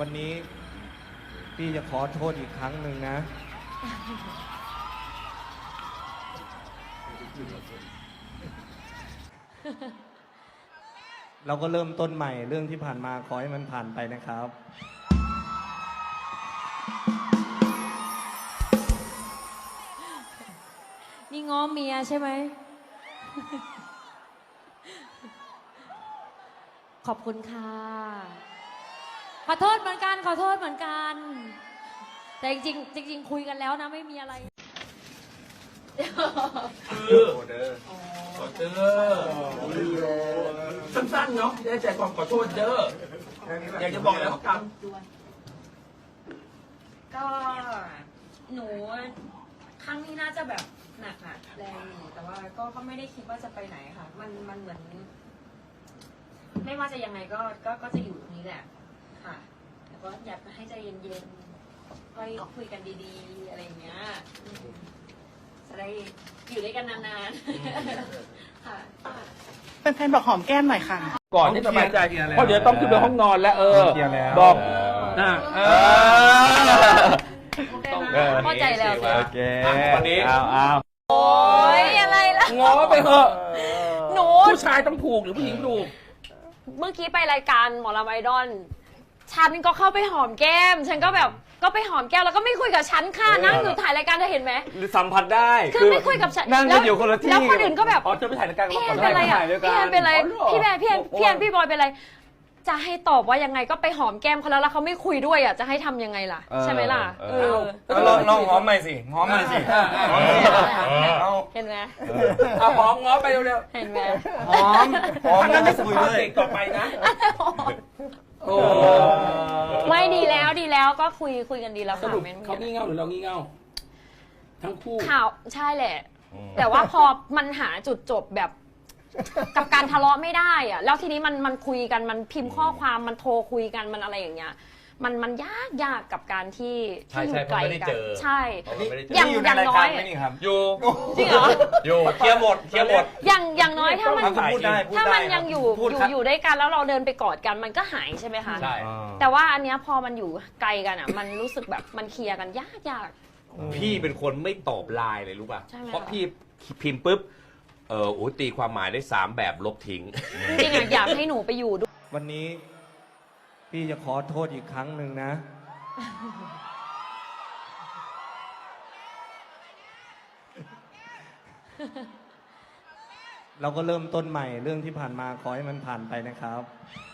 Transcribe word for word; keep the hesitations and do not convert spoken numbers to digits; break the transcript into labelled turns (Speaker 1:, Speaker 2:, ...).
Speaker 1: วันนี้พี่จะขอโทษอีกครั้งหนึ่งนะ เราก็เริ่มต้นใหม่เรื่องที่ผ่านมาขอให้มันผ่านไปนะครับ
Speaker 2: นี่ง้อเมียใช่ไหม ขอบคุณค่ะ ขอโทษเหมือนกันขอโทษเหมือนกัน แต่จริงๆจริงๆคุยกันแล้วนะไม่มีอะไร
Speaker 3: คือขอเด้อขอเด้อสั้นๆเนาะได้ใจความขอโทษเด้ออยากจะบอกแล้วกัน
Speaker 2: ก็หนูครั้งนี้น่าจะแบบหนักอะแรงอยู่แต่ว่าก็ก็ไม่ได้คิดว่าจะไปไหนค่ะ มันมันเหมือน ไม่ว่าจะยังไงก็ก็ก็จะอยู่ตรงนี้แหละค่ะแต่ก็อยากให้ใจเย็นๆค่อยคุยกันดีๆอะไรอย่างเงี้ยอืมจะได้อยู่ด้วยกันนานๆค่ะ
Speaker 4: เป็นแฟนบอกหอมแก้มหน่อยค่ะ
Speaker 3: ก่อนที่สบายใจเพราะเดี๋ยวต้องขึ้นไปห้องนอนแล้ว เออ บอกนะเออ
Speaker 2: เข้าใจแล้ว
Speaker 1: โอเค
Speaker 3: วันนี้
Speaker 1: เอาเอา
Speaker 2: โอ้ยอะไรล่ะ
Speaker 3: ง้อไปเถอะ
Speaker 2: หนู
Speaker 3: ผู้ชายต้องถูกหรือผู้หญิงถูก
Speaker 2: เมื่อกี้ไปรายการหมอลำไอดอลฉันก็เข้าไปหอมแก้ม ฉันก็แบบก็ไปหอมแก้มแล้วก็ไม่คุยกับฉันค่ะนั่งอยู่ถ่ายรายการเธอเห็นไหม
Speaker 1: หรือสัมผัสได้
Speaker 2: คือไม่คุยกับฉัน
Speaker 1: นั่งกันอยู่คนละที่
Speaker 2: แล้วคนอื่นก็แบบ
Speaker 3: อ๋อจะไปถ่ายรายการกับ
Speaker 2: พี่แอ
Speaker 3: ก่อน
Speaker 2: นเป็นไรอ่ะ
Speaker 1: ถ่ายด้วยกัน
Speaker 2: พี่แอนเป็นไร
Speaker 3: อ๋อเหรอ
Speaker 2: พี่แอนพี่แอนพี่แอนพี่บอยเป็นไรจะให้ตอบว่ายังไงก็ไปหอมแก้มเขาแล้วแล้วเขาไม่คุยด้วยอ่ะจะให้ทำยังไงล่ะใช่ไหมล่ะเออ
Speaker 1: ลองลองหอมใหม่สิหอมใหม่สิหอมสิเอา
Speaker 2: เห็นไหม
Speaker 3: เอาหอมง้อไปเร็ว
Speaker 2: เห็นไหม
Speaker 1: หอมหอม
Speaker 3: ๆถ้างั้นไม่สัม
Speaker 1: คุย
Speaker 3: ภาษ
Speaker 1: เล
Speaker 3: ณ์
Speaker 1: ย
Speaker 3: เด็กต่อไปนะ โอ้
Speaker 2: ไม่ดีแล้วดีแล้วก็คุยคุยกันดีแล้ว
Speaker 3: ส
Speaker 2: ค่ะ
Speaker 3: รุป
Speaker 2: ไม่มี
Speaker 3: เขา
Speaker 2: อะไร
Speaker 3: งี่เง่าหรือเรางี่เง่าทั้งคู่
Speaker 2: ข่าวใช่แหละ แต่ว่าพอมันหาจุดจบแบบ กับการทะเลาะไม่ได้อะแล้วทีนี้มันมันคุยกันมันพิมพ์ข้อความมันโทรคุยกันมันอะไรอย่างเงี้ยมันมันยากยากกับการที่ที่อยู่ไกลกันใช่ อย่าง
Speaker 1: นี่อยู่ใน
Speaker 2: อย่าง
Speaker 1: ราย
Speaker 2: น้
Speaker 1: กา
Speaker 2: อ
Speaker 1: ร
Speaker 2: ย
Speaker 1: ไหมนี่ครับ
Speaker 3: อยู่
Speaker 2: จริงเหรอ
Speaker 1: อยู่เคลียร์หมดเคลียร์หมด
Speaker 2: อย่างอย่างน้อยถ้ามัน
Speaker 1: พูดได้พูดได้
Speaker 2: ถ้ามันยังอยู่
Speaker 1: พูด
Speaker 2: อยู่
Speaker 1: ครับ
Speaker 2: อยู่ด้วยกันแล้วเราเดินไปกอดกันมันก็หายใช่ไหมคะ
Speaker 3: ใช่
Speaker 2: แต่ว่าอันเนี้ยพอมันอยู่ไกลกันอ่ะ มันรู้สึกแบบมันเคลียร์กันยากยาก
Speaker 5: พี่เป็นคนไม่ตอบไลน์เลยรู้ป่ะ
Speaker 2: ใช่ไหม
Speaker 5: เพราะ
Speaker 2: คะ
Speaker 5: พี่พิมพ์ปุ๊บ เออโอ้ตีความหมายได้สามแบบลบทิ้ง
Speaker 2: จริงๆอะอยากให้หนูไปอยู่ด้วย
Speaker 1: วันนี้พี่จะขอโทษอีกครั้งหนึ่งนะ เราก็เริ่มต้นใหม่เรื่องที่ผ่านมาขอให้มันผ่านไปนะครับ